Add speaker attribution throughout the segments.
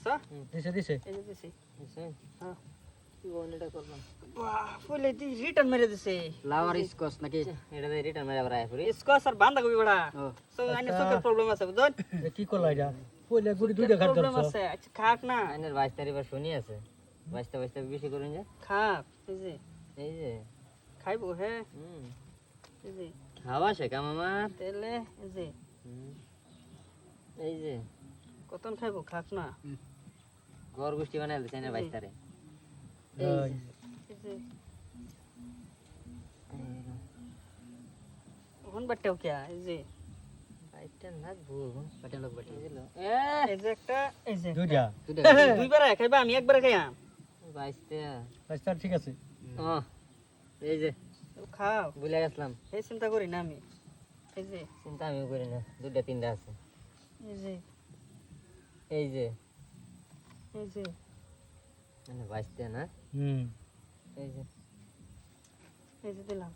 Speaker 1: দিছো
Speaker 2: দিছে দিছে
Speaker 1: এই যে দিছি
Speaker 3: দিছে
Speaker 1: হ্যাঁ
Speaker 3: কি বনেটা করলাম
Speaker 1: বাহ ফুলে দি রিটার্ন মেরে দিছে
Speaker 3: ফ্লাওয়ার স্কচ নাকি এটা দিয়ে রিটার্ন মেরে আবার আয় পড়ি
Speaker 1: স্কোয়াশ আর বাঁধা কবি বড়া
Speaker 3: ও
Speaker 1: সো আইনে চোখের প্রবলেম আছে বুঝছেন
Speaker 2: কি করলা এটা কইলে গুড়ি দুইটা খাট
Speaker 1: প্রবলেম
Speaker 2: করছো
Speaker 1: আছে আচ্ছা খাক না
Speaker 3: আইনের 22 তারিখ শুনি আছে 22 বেশি করুন যে
Speaker 1: খাক
Speaker 3: এই যে
Speaker 1: খাইবো হ্যাঁ
Speaker 3: হুম
Speaker 1: এই যে
Speaker 3: খাওয়া শেখাম আমার
Speaker 1: তেলে
Speaker 3: হুম। এই যে
Speaker 1: কতন খাইবো খাক না
Speaker 3: ঘর গোষ্ঠী বানাই দিছে আইনের 22 তারিখ
Speaker 2: ওই
Speaker 1: এই যে ওখান বাট্টাও কে এই যে
Speaker 3: বাইটা না ভুল বাটা লোক বাটা দিল
Speaker 1: এই যে একটা এই যে
Speaker 2: দুইটা
Speaker 1: দুইবার খাইবা আমি একবার খাইয়াম
Speaker 3: 22 টা
Speaker 2: রাস্তা ঠিক আছে
Speaker 3: ও এই যে
Speaker 1: খাও
Speaker 3: ভুলে গেছিলাম
Speaker 1: এই চিন্তা করি না আমি এই যে
Speaker 3: চিন্তা আমিও করি না দুইটা তিনটা আছে
Speaker 1: এই যে
Speaker 3: এই যে
Speaker 1: এই যে
Speaker 3: মানে 22 টা না
Speaker 2: হুম
Speaker 3: এই যে
Speaker 1: দিলাম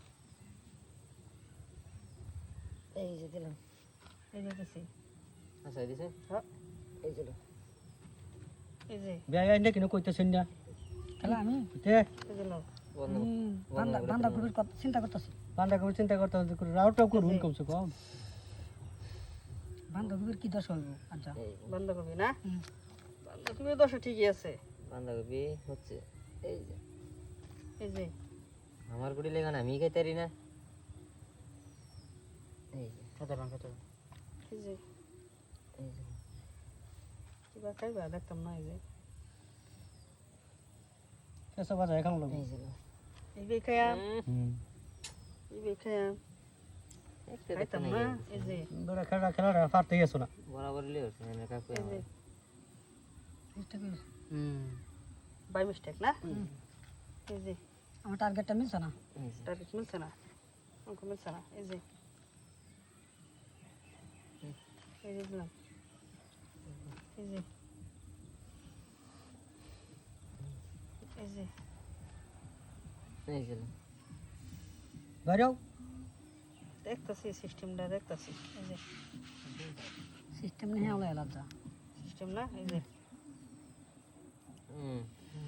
Speaker 3: এই যে দিলাম
Speaker 1: এই যে দিছি
Speaker 3: আচ্ছা দিছে
Speaker 1: হ্যাঁ
Speaker 3: এই যে
Speaker 1: এই যে
Speaker 2: বিয়া আইনে কিনো কইতেছেন না
Speaker 4: খেলা আমি
Speaker 2: তে
Speaker 1: এই দিলাম
Speaker 3: বন্ধ
Speaker 4: বান্দা কবির কথা চিন্তা করতেছি
Speaker 2: বান্দা কবি চিন্তা করতে হবে রাউটাও করুন কমসে কম
Speaker 4: বান্দা কবির কি দশ হইব আচ্ছা
Speaker 3: এই যে
Speaker 1: বাঁধাকপি না
Speaker 4: হুম।
Speaker 1: বাঁধাকপি দশা ঠিকই আছে
Speaker 3: বাঁধাকপি হচ্ছে এই যে
Speaker 1: এই যে
Speaker 3: আমার গুড়ি লেগে না আমি খাইতে পারি না এই যে
Speaker 1: এই যে
Speaker 3: এই যে
Speaker 1: কিবা খাইবা দেখতাম না এই যে
Speaker 2: কেসা বাজা এখন লোক
Speaker 3: এই যে
Speaker 1: এই বে খাইয়াম
Speaker 2: হুম
Speaker 1: এই বে খাইয়াম
Speaker 3: একটা
Speaker 1: খাইতাম
Speaker 3: দেখতে
Speaker 1: না
Speaker 3: নাই
Speaker 1: এই যে
Speaker 2: বড় খেলাটা পারতেই আছো না
Speaker 3: বরাবর লিয়ে হচ্ছে না কাকু
Speaker 1: এই যে
Speaker 4: চেষ্টা করি
Speaker 3: হুম
Speaker 1: বাই মিস্টেক না এই যে
Speaker 4: আমার টার্গেটটা মিলছে না
Speaker 3: এই যে
Speaker 1: টার্গেট মিলছে না অঙ্ক মিলছে না এই যে দিলাম এই যে এই যে
Speaker 3: এই যে
Speaker 2: বাইরেও
Speaker 1: দেখতাছি সিস্টেমটা দেখতাছি এই যে
Speaker 4: সিস্টেম নেই হলো এলাদা
Speaker 1: সিস্টেম না এই যে
Speaker 3: হুম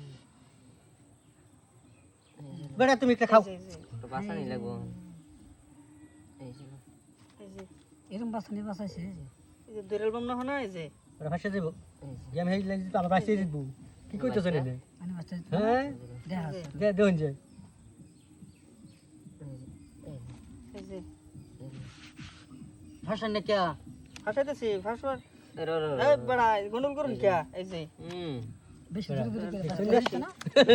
Speaker 2: বেটা তুমি একটা খাও
Speaker 1: এই যে
Speaker 3: তো বাসা নি লাগবো এই যে
Speaker 1: এই যে
Speaker 4: এরকম বাসানি বাসাইছে
Speaker 1: এই যে দুই অ্যালবাম না হয় না এই যে
Speaker 2: ওরা ফাঁসে দেবো
Speaker 3: এই যে
Speaker 2: গেম হেই লাগি তো আমরা বাইসে দিব কি কইতেছেন এনে
Speaker 4: মানে বাচ্চা
Speaker 2: হ্যাঁ
Speaker 4: দেখা আছে
Speaker 2: দে দেন যে
Speaker 1: এই যে
Speaker 4: ভাষা নে কে
Speaker 1: ফাঁসাইতেছি ফাঁসবার
Speaker 3: রে রে
Speaker 1: এই বড়া গন্ডল করুন কে এই যে
Speaker 3: হুম
Speaker 4: বেশি দূরে দূরে
Speaker 2: শুনলে?
Speaker 4: না